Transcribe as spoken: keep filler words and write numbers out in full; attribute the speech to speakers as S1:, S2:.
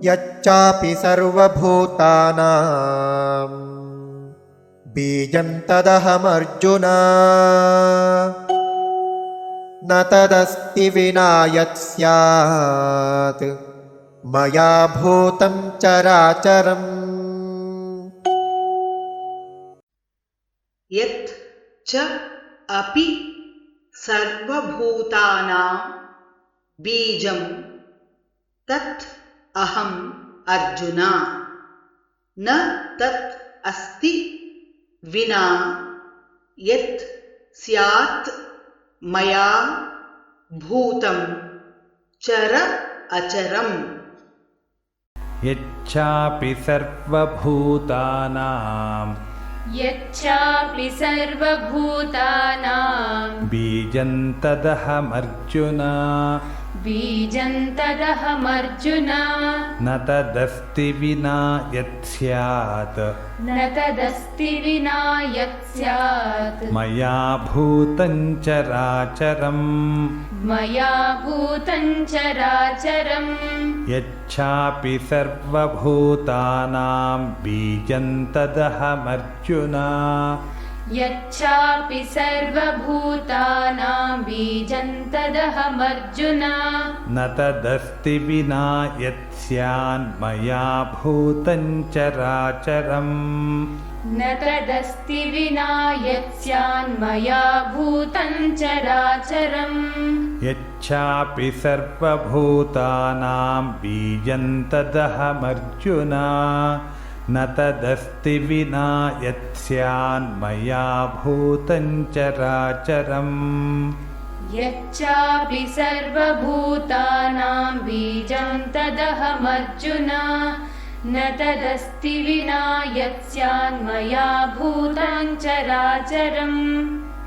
S1: यच्चापि सर्वभूतानां बीजं तदहमर्जुन न तदस्ति विना यत् स्यात् मया भूतं चराचरम्।
S2: यत् च अपि सर्वभूतानां बीजं तत् अहम् अर्जुन न तत् अस्ति विना यत् स्यात् मया भूतं चर अचरम्।
S3: यच्चापि सर्वभूतानां
S4: यच्चापि सर्वभूतानां
S3: बीजं तदहमर्जुन
S4: बीजं तदहमर्जुन
S3: न तदस्ति विना यत् स्यात्
S4: न तदस्ति विना यत् स्यात्
S3: मया भूतं चराचरम्।
S4: मया भूतं चराचरम्।
S3: यच्चापि सर्वभूतानां बीजं तदहमर्जुन
S4: यच्चापि सर्वभूतानां बीजं तदहमर्जुन
S3: न तदस्ति विना यत् स्यान्मया भूतं चराचरम्।
S4: न तदस्ति विना यत् स्यान्मया भूतं चराचरम्।
S3: यच्चापि सर्वभूतानां बीजं तदहमर्जुन न तदस्ति विना यत् स्यान्मया भूतं चराचरम्।
S4: यच्चापि सर्वभूतानां बीजं तदहमर्जुन न तदस्ति विना यत् स्यान्मया भूतं चराचरम्।